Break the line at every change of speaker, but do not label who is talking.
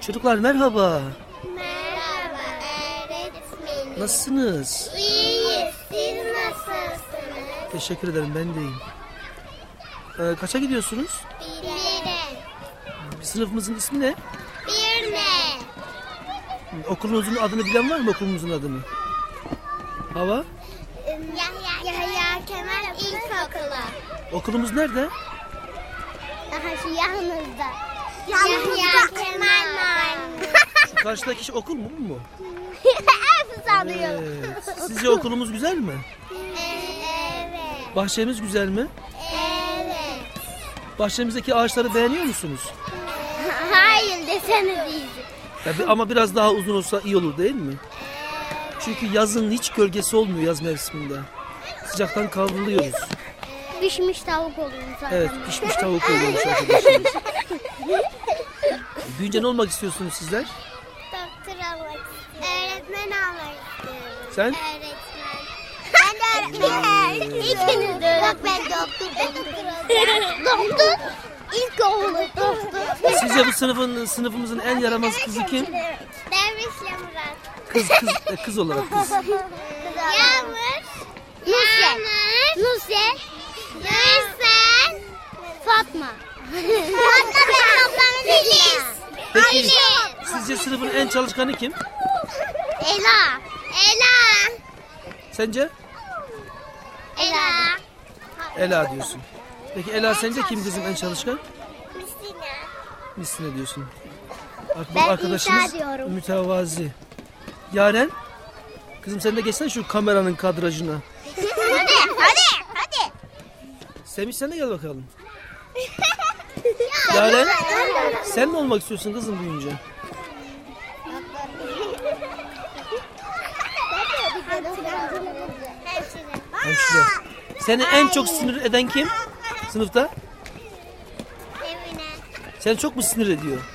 Çocuklar merhaba.
Merhaba öğretmenim.
Nasılsınız?
İyiyiz. Siz nasılsınız?
Teşekkür ederim, ben de iyiyim. Kaça gidiyorsunuz?
Bire.
Sınıfımızın ismi ne?
Bir ne?
Okulunuzun adını bilen var mı, okulumuzun adını? Hava?
Yahya Kemal İlkokulu.
Okulumuz nerede?
Daha şu yanınızda. Yahya Kemal Mahallesi.
Şu karşıdaki şey okul mu, bu mu?
Hepsi sanıyor.
Evet. Sizce okulumuz güzel mi?
Evet.
Bahçemiz güzel mi?
Evet.
Bahçemizdeki ağaçları beğeniyor musunuz?
Hayır desene değil.
Ama biraz daha uzun olsa iyi olur değil mi? Çünkü yazın hiç gölgesi olmuyor, yaz mevsiminde. Sıcaktan kavruluyoruz.
Pişmiş tavuk oluyor zaten.
Evet, pişmiş tavuk oluyormuş arkadaşlar. Büyünce ne olmak istiyorsunuz sizler?
Doktor olmak istiyorum. Öğretmen olmak istiyorum.
Sen?
Öğretmen. Ben de öğretmenim. İkiniz de öğretmen. Bak ben doktor. İlkokulu doktor.
Sizce bu sınıfımızın en yaramaz kızı kim?
Dervişle Murat.
Kız olarak kız.
Yağmur. Nusret. Nursel. Fatma. Fatma benim ablamın Filiz.
Peki sizce sınıfın en çalışkanı kim?
Ela.
Sence?
Ela.
Ela diyorsun. Peki Ela, sence kim kızım en çalışkan?
Müslüman.
Misine diyorsun. Bu
Ben
arkadaşımız
İsa diyorum.
mütevazi. Yaren, kızım sen de geçsene şu kameranın kadrajına.
Hadi.
Semih, sen de gel bakalım. Yaren, sen ne olmak istiyorsun kızım büyüyünce? Hemşire. Seni en çok sinir eden kim sınıfta?
Emine.
Seni çok mu sinir ediyor?